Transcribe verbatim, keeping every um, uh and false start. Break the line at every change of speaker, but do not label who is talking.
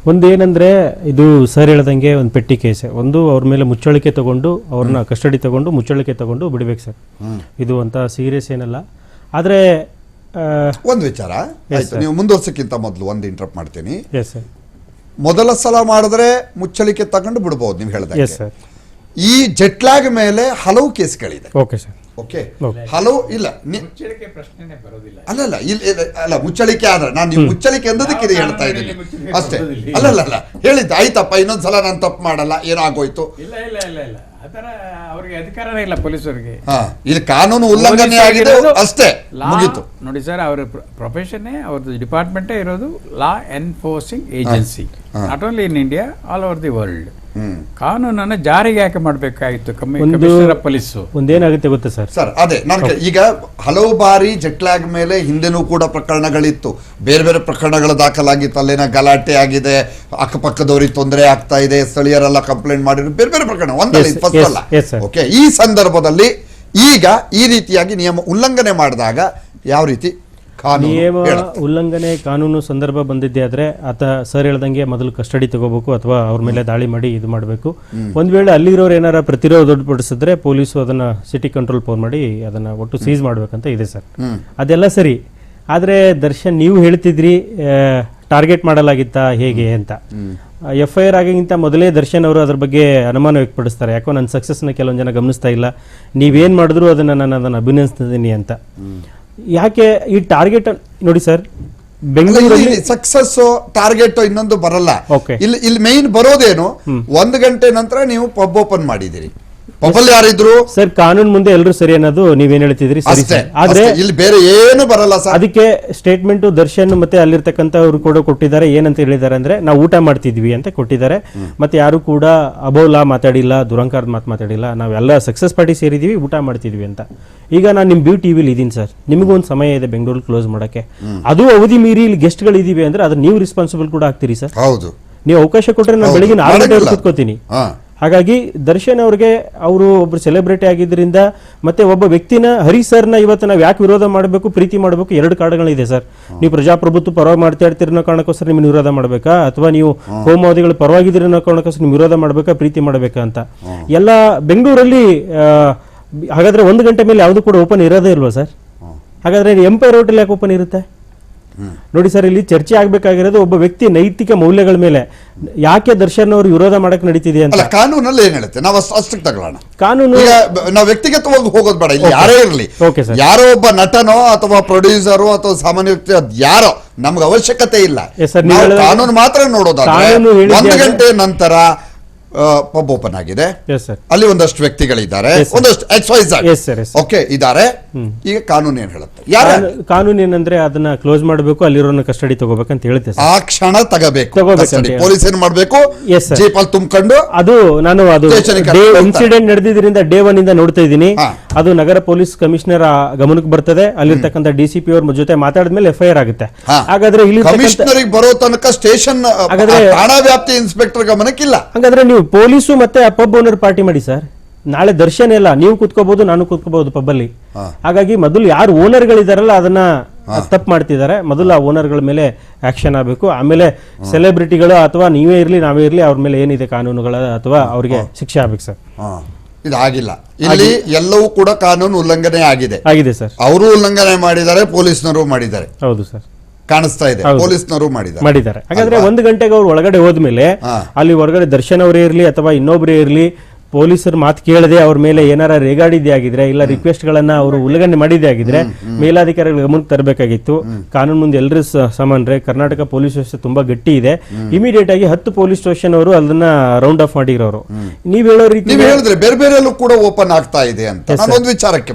ಒಂದೇನಂದ್ರೆ ಇದು ಸರ್ ಹೇಳ್ದಂಗೆ ಒಂದು ಪೆಟ್ಟಿ ಕೇಸ್, ಒಂದು ಅವ್ರ ಮೇಲೆ ಮುಚ್ಚಳಿಕೆ ತಗೊಂಡು ಅವ್ರನ್ನ ಕಸ್ಟಡಿ ತಗೊಂಡು ಮುಚ್ಚಳಿಕೆ ತಗೊಂಡು ಬಿಡ್ಬೇಕು ಸರ್. ಇದು ಅಂತ ಸೀರಿಯಸ್ ಏನಲ್ಲ. ಆದ್ರೆ
ಒಂದು ವಿಚಾರ ಆಯ್ತು, ನೀವು ಮುಂದುವರ್ಸಕ್ಕಿಂತ ಮೊದಲು ಒಂದು ಇಂಟರಪ್ಟ್ ಮಾಡ್ತೀನಿ.
Yes sir.
ಮೊದಲ ಸಲ ಮಾಡಿದ್ರೆ ಮುಚ್ಚಳಿಕೆ ತಗೊಂಡು ಬಿಡ್ಬೋದು ನೀವು ಹೇಳಿದಾಗ.
Yes sir.
ಈ ಜೆಟ್ಲಾಗ್ ಮೇಲೆ ಹಲವು ಕೇಸ್ಗಳಿದೆ.
Okay sir.
ಓಕೆ, ಹಲವು ಇಲ್ಲ ಅಲ್ಲಲ್ಲ ಇಲ್ಲಿ ಅಲ್ಲ ಮುಚ್ಚಳಿಕೆ ಆದ್ರೆ ನಾನು ನೀವು ಮುಚ್ಚಳಿಕೆ ಅಂದದಕ್ಕೆ ಹೇಳ್ತಾ ಇದ್ದೀನಿ ಅಷ್ಟೇ. ಅಲ್ಲಲ್ಲ ಅಲ್ಲ ಹೇಳಿದ್ದೆ ಆಯ್ತಪ್ಪ, ಇನ್ನೊಂದ್ಸಲ ನಾನು ತಪ್ಪು ಮಾಡಲ್ಲ, ಏನೋ ಆಗೋಯ್ತು.
ಇಲ್ಲ ಇಲ್ಲ ಇಲ್ಲ ಇಲ್ಲ ಅದರ ಅವರಿಗೆ ಅಧಿಕಾರನೇ ಇಲ್ಲ ಪೊಲೀಸರಿಗೆ.
ಹಾ, ಇಲ್ಲಿ ಕಾನೂನು ಉಲ್ಲಂಘನೆ ಆಗಿದೆ ಅಷ್ಟೇ, ಮುಗೀತು.
ನೋಡಿ ಸರ್, ಅವರ ಪ್ರೊಫೆಷನ್ನೇ ಅವ್ರದ್ದು ಡಿಪಾರ್ಟ್ಮೆಂಟೇ ಇರೋದು law enforcing agency, not only in India, all over the world. ಕಾನೂನನ್ನು ಜಾರಿಗೆ ಯಾಕೆ ಮಾಡಬೇಕಾಗಿತ್ತು ಕಮಿಷನರ್ ಆಫ್ ಪೊಲೀಸ್?
ಒಂದೇನಾಗುತ್ತೆ ಗೊತ್ತಾ ಸರ್?
ಸರ್ ಅದೇ ನಾನು ಈಗ ಹಲವು ಬಾರಿ ಜೆಟ್ಲಾಗ್ ಮೇಲೆ ಹಿಂದೆನೂ ಕೂಡ ಪ್ರಕರಣಗಳಿತ್ತು, ಬೇರೆ ಬೇರೆ ಪ್ರಕರಣಗಳು ದಾಖಲಾಗಿತ್ತು. ಅಲ್ಲೇನ ಗಲಾಟೆ ಆಗಿದೆ, ಅಕ್ಕಪಕ್ಕದವ್ರಿಗೆ ತೊಂದರೆ ಆಗ್ತಾ ಇದೆ, ಸ್ಥಳೀಯರೆಲ್ಲ ಕಂಪ್ಲೇಂಟ್ ಮಾಡಿದ್ರು, ಬೇರೆ ಬೇರೆ ಪ್ರಕರಣ ಒಂದಲ್ಲ ಫಸ್ಟ್ ಅಲ್ಲ. ಓಕೆ, ಈ ಸಂದರ್ಭದಲ್ಲಿ ಈಗ ಈ ರೀತಿಯಾಗಿ ನಿಯಮ ಉಲ್ಲಂಘನೆ ಮಾಡಿದಾಗ ಯಾವ ರೀತಿ
ನಿಯಮ ಉಲ್ಲಂಘನೆ ಕಾನೂನು ಸಂದರ್ಭ ಬಂದಿದ್ದೆ ಆದ್ರೆ ಆತ ಸರ್ ಹೇಳ್ದಂಗೆ ಮೊದಲು ಕಸ್ಟಡಿ ತಗೋಬೇಕು ಅಥವಾ ಅವ್ರ ಮೇಲೆ ದಾಳಿ ಮಾಡಿ ಇದು ಮಾಡಬೇಕು. ಒಂದ್ ವೇಳೆ ಅಲ್ಲಿರೋರು ಏನಾರ ಪ್ರತಿರೋಧಪಡಿಸಿದ್ರೆ ಪೊಲೀಸು ಅದನ್ನ ಸಿಟಿ ಕಂಟ್ರೋಲ್ ಫೋನ್ ಮಾಡಿ ಅದನ್ನ ಒಟ್ಟು ಸೀಸ್ ಮಾಡ್ಬೇಕಂತ ಇದೆ ಸರ್. ಅದೆಲ್ಲ ಸರಿ. ಆದ್ರೆ ದರ್ಶನ್ ನೀವು ಹೇಳ್ತಿದ್ರಿ ಟಾರ್ಗೆಟ್ ಮಾಡಲಾಗಿತ್ತಾ ಹೇಗೆ ಅಂತ. ಎಫ್ ಐ ಆರ್ ಆಗಿಗಿಂತ ಮೊದಲೇ ದರ್ಶನ್ ಅವರು ಅದ್ರ ಬಗ್ಗೆ ಅನುಮಾನ ವ್ಯಕ್ತಪಡಿಸ್ತಾರೆ. ಯಾಕೋ ನನ್ನ ಸಕ್ಸಸ್ನ ಕೆಲವೊಂದು ಜನ ಗಮನಿಸ್ತಾ ಇಲ್ಲ, ನೀವೇನ್ ಮಾಡಿದ್ರು ಅದನ್ನ ನಾನು ಅದನ್ನ ಅಭಿನಂದಿಸ್ತಿದ್ದೀನಿ ಅಂತ. ಯಾಕೆ ಈ ಟಾರ್ಗೆಟ್ ನೋಡಿ ಸರ್, ಬೆಂಗಳೂರಲ್ಲಿ
ಸಕ್ಸಸ್ ಟಾರ್ಗೆಟ್ ಇನ್ನೊಂದು ಬರಲ್ಲ.
Okay.
ಇಲ್ಲಿ ಇಲ್ಲಿ ಮೈನ್ ಬರೋದೇನು, ಒಂದು ಗಂಟೆ ನಂತರ ನೀವು ಪಬ್ ಓಪನ್ ಮಾಡಿದಿರಿ, ಪಬ್ಬಲ್ಲಿ ಯಾರಿದ್ರು
ಸರ್ ಕಾನೂನು ಮುಂದೆ ಎಲ್ಲರೂ ಸರಿ ಅನ್ನೋದು ನೀವೇನ್ ಹೇಳ್ತಿದ್ರಿ ಸರಿ
ಅಷ್ಟೇ.
ಸರ್. ಆದ್ರೆ
ಇಲ್ಲಿ ಬೇರೆ ಏನು ಬರಲ್ಲ ಸರ್.
ಅದಕ್ಕೆ ಸ್ಟೇಟ್ಮೆಂಟ್ ದರ್ಶನ್ ಮತ್ತೆ ಅಲ್ಲಿರ್ತಕ್ಕಂಥವ್ರು ಕೂಡ ಕೊಟ್ಟಿದ್ದಾರೆ. ಏನಂತ ಹೇಳಿದ್ದಾರೆ ಅಂದ್ರೆ ನಾವು ಊಟ ಮಾಡ್ತಿದ್ವಿ ಅಂತ ಕೊಟ್ಟಿದ್ದಾರೆ. ಮತ್ತೆ ಯಾರು ಕೂಡ ಅಬೌವ್ ಲಾ ಮಾತಾಡಿಲ್ಲ, ದುರಂಕಾರದ ಮಾತು ಮಾತಾಡಿಲ್ಲ, ನಾವೆಲ್ಲ ಸಕ್ಸಸ್ ಪಾರ್ಟಿ ಸೇರಿದೀವಿ, ಊಟ ಮಾಡ್ತಿದ್ವಿ ಅಂತ. ಈಗ ನಾನು ನಿಮ್ ಬ್ಯೂ ಟಿವಿಲಿ ಇದೀನಿ ಸರ್, ನಿಮಗೂ ಒಂದು ಸಮಯ ಇದೆ ಬೆಂಗಳೂರು ಕ್ಲೋಸ್ ಮಾಡಕ್ಕೆ, ಅದು ಅವಧಿ ಮೀರಿ ಇಲ್ಲಿ ಗೆಸ್ಟ್ಗಳು ಇದೀವಿ ಅಂದ್ರೆ ಅದ್ರ ನೀವು ರೆಸ್ಪಾನ್ಸಿಬಲ್ ಕೂಡ ಆಗ್ತೀರಿ ಸರ್.
ಹೌದು,
ನೀವು ಅವಕಾಶ ಕೊಟ್ರೆ ನಾನು ಬೆಳಿಗ್ಗೆ ಆರು ಗಂಟೆವರೆಗೆ ಕೂತ್ಕೋತೀನಿ. ಹಾಗಾಗಿ ದರ್ಶನ್ ಅವ್ರಿಗೆ ಅವರು ಒಬ್ರು ಸೆಲೆಬ್ರಿಟಿ ಆಗಿದ್ದರಿಂದ ಮತ್ತೆ ಒಬ್ಬ ವ್ಯಕ್ತಿನ ಹರಿ ಸರ್ನ ಇವತ್ತು ನಾವು ಯಾಕೆ ವಿರೋಧ ಮಾಡಬೇಕು, ಪ್ರೀತಿ ಮಾಡಬೇಕು, ಎರಡು ಕಾರಣಗಳಿದೆ ಸರ್. ನೀವು ಪ್ರಜಾಪ್ರಭುತ್ವ ಪರವಾಗಿ ಮಾಡ್ತಾ ಇರ್ತೀರಿ ಅನ್ನೋ ಕಾರಣಕ್ಕೋಸ್ಕರ ನಿಮ್ಗೆ ವಿರೋಧ ಮಾಡಬೇಕಾ, ಅಥವಾ ನೀವು ಹೋಮವಾದಿಗಳು ಪರವಾಗಿದ್ದೀರಿ ಅನ್ನೋ ಕಾರಣಕ್ಕೋಸ್ಕರ ನೀವು ವಿರೋಧ ಮಾಡಬೇಕಾ, ಪ್ರೀತಿ ಮಾಡಬೇಕಾ ಅಂತ. ಎಲ್ಲ ಬೆಂಗಳೂರಲ್ಲಿ ಹಾಗಾದ್ರೆ ಒಂದು ಗಂಟೆ ಮೇಲೆ ಯಾವುದು ಕೂಡ ಓಪನ್ ಇರೋದೇ ಇಲ್ವಾ ಸರ್? ಹಾಗಾದ್ರೆ ಎಂಪೈರ್ ಹೋಟೆಲ್ ಯಾಕೆ ಓಪನ್ ಇರುತ್ತೆ? ನೋಡಿ ಸರ್, ಇಲ್ಲಿ ಚರ್ಚೆ ಆಗ್ಬೇಕಾಗಿರೋದು ಒಬ್ಬ ವ್ಯಕ್ತಿ ನೈತಿಕ ಮೌಲ್ಯಗಳ ಮೇಲೆ. ಯಾಕೆ ದರ್ಶನ್ ಅವರು ವಿರೋಧ ಮಾಡಕ್ ನಡೀತಿದೆ ಅಂತ
ಕಾನೂನಲ್ಲಿ ಏನ್ ಹೇಳುತ್ತೆ ನಾವು ಅಷ್ಟಕ್ಕೆ ತಗೊಳ್ಳೋಣ.
ಕಾನೂನು
ನಾವು ವ್ಯಕ್ತಿಗತವಾಗಿ ಹೋಗೋದು ಬೇಡ. ಇಲ್ಲಿ ಯಾರೇ ಇರಲಿ, ಯಾರೋ ಒಬ್ಬ ನಟನೋ ಅಥವಾ ಪ್ರೊಡ್ಯೂಸರು ಅಥವಾ ಸಾಮಾನ್ಯ ವ್ಯಕ್ತಿ, ಅದ್ ಯಾರೋ ನಮ್ಗೆ ಅವಶ್ಯಕತೆ ಇಲ್ಲ. ಕಾನೂನು ಮಾತ್ರ ನೋಡೋದಾದ್ರೆ ಒಂದು ಗಂಟೆ ನಂತರ ಪಬ್ ಓಪನ್ ಆಗಿದೆ, ಅಲ್ಲಿ ಒಂದಷ್ಟು ವ್ಯಕ್ತಿಗಳಿದ್ದಾರೆ, ಒಂದಷ್ಟು ಎಕ್ಸ್ ವೈ ಝೆಡ್ ಓಕೆ ಇದ್ದಾರೆ. ಈಗ ಕಾನೂನು ಏನ್ ಹೇಳುತ್ತೆ?
ಕಾನೂನು ಏನಂದ್ರೆ ಅದನ್ನ ಕ್ಲೋಸ್ ಮಾಡಬೇಕು, ಅಲ್ಲಿರೋನ ಕಸ್ಟಡಿ ತಗೋಬೇಕಂತ ಹೇಳುತ್ತೆ.
ಆ ಕ್ಷಣ ತಗಬೇಕು, ಪೊಲೀಸ್ ಏನ್ ಮಾಡ್ಬೇಕು, ಜೀಪಲ್ಲಿ ತುಂಬಿಕೊಂಡು.
ಅದು ನಾನು ಅದು ಇನ್ಸಿಡೆಂಟ್ ನಡೆದಿದ್ರಿಂದ ಡೇ ಒನ್ ಇಂದ ನೋಡ್ತಾ ಇದ್ದೀನಿ. ಅದು ನಗರ ಪೊಲೀಸ್ ಕಮಿಷನರ್ ಗಮನಕ್ಕೆ ಬರ್ತದೆ, ಅಲ್ಲಿರ್ತಕ್ಕಂಥ ಡಿ ಸಿ ಪಿ ಅವ್ರ ಜೊತೆ ಮಾತಾಡಿದ್ಮೇಲೆ ಎಫ್ ಐ ಆರ್ ಆಗುತ್ತೆ. ಹಾಗಾದ್ರೆ ಇಲ್ಲಿ
ಕಮಿಷನರ್ ಬರೋ ತನಕ ಸ್ಟೇಷನ್ ಠಾಣಾ ವ್ಯಾಪ್ತಿ ಇನ್ಸ್ಪೆಕ್ಟರ್ ಗಮನಕ್ಕಿಲ್ಲ.
ಹಾಗಾದ್ರೆ ನೀವು ಪೊಲೀಸು ಮತ್ತೆ ಪಬ್ ಓನರ್ ಪಾರ್ಟಿ ಮಾಡಿ ಸರ್. ನಾಳೆ ದರ್ಶನ್ ಎಲ್ಲ ನೀವು ಕೂತ್ಕೋಬಹುದು, ನಾನು ಕೂತ್ಕೋಬಹುದು ಪಬ್ಬಲ್ಲಿ. ಹಾಗಾಗಿ ಮೊದಲು ಯಾರು ಓನರ್ಗಳಿದಾರಲ್ಲ ಅದನ್ನ ತಪ್ಪು ಮಾಡ್ತಿದ್ದಾರೆ, ಮೊದಲು ಆ ಓನರ್ಗಳ ಮೇಲೆ ಆಕ್ಷನ್ ಆಗಬೇಕು. ಆಮೇಲೆ ಸೆಲೆಬ್ರಿಟಿಗಳು ಅಥವಾ ನೀವೇ ಇರ್ಲಿ ನಾವೇ ಇರ್ಲಿ ಅವ್ರ ಮೇಲೆ ಏನಿದೆ ಕಾನೂನುಗಳ ಅಥವಾ ಅವ್ರಿಗೆ ಶಿಕ್ಷೆ ಆಗ್ಬೇಕು ಸರ್.
ಇದಾಗಿಲ್ಲ, ಇಲ್ಲಿ ಎಲ್ಲವೂ ಕೂಡ ಕಾನೂನು ಉಲ್ಲಂಘನೆ ಆಗಿದೆ
ಆಗಿದೆ ಸರ್.
ಅವರು ಉಲ್ಲಂಘನೆ ಮಾಡಿದ್ದಾರೆ, ಪೊಲೀಸ್ನವರು ಮಾಡಿದ್ದಾರೆ.
ಹೌದು ಸರ್,
ಕಾಣಿಸ್ತಾ ಇದೆ, ಪೊಲೀಸ್ನವರು ಮಾಡಿದ್ದಾರೆ.
ಹಾಗಾದ್ರೆ ಒಂದು ಗಂಟೆಗೆ ಅವ್ರು ಒಳಗಡೆ ಹೋದ್ಮೇಲೆ ಅಲ್ಲಿ ಹೊರಗಡೆ ದರ್ಶನ್ ಅವರೇ ಇರ್ಲಿ ಅಥವಾ ಇನ್ನೊಬ್ಬರೇ ಇರ್ಲಿ, ಪೊಲೀಸರ ಮಾತು ಕೇಳದೆ ಅವ್ರ ಮೇಲೆ ಏನಾರ ರೇಗಾಡಿದ್ದೇ ಆಗಿದ್ರೆ ಇಲ್ಲ ರಿಕ್ವೆಸ್ಟ್ ಗಳನ್ನ ಅವರು ಉಲ್ಲಂಘನೆ ಮಾಡಿದ್ದೇ ಆಗಿದ್ರೆ ಮೇಲಾಧಿಕಾರಿಗಳ ಗಮನಕ್ಕೆ ತರಬೇಕಾಗಿತ್ತು. ಕಾನೂನು ಮುಂದೆ ಎಲ್ಲರೂ ಸಮಾನರೇ. ಕರ್ನಾಟಕ ಪೊಲೀಸ್ ವ್ಯವಸ್ಥೆ ತುಂಬಾ ಗಟ್ಟಿ ಇದೆ. ಇಮಿಡಿಯೇಟ್ ಆಗಿ ಹತ್ತು ಪೊಲೀಸ್ ಸ್ಟೇಷನ್ ಅವರು ಅದನ್ನ ರೌಂಡ್ ಆಫ್ ಮಾಡಿರೋರು. ನೀವ್ ಹೇಳೋ ರೀತಿ
ಹೇಳಿದ್ರೆ ಬೇರೆ ಬೇರೆ ಕೂಡ ಓಪನ್ ಆಗ್ತಾ ಇದೆ ಅಂತ ಒಂದು ವಿಚಾರಕ್ಕೆ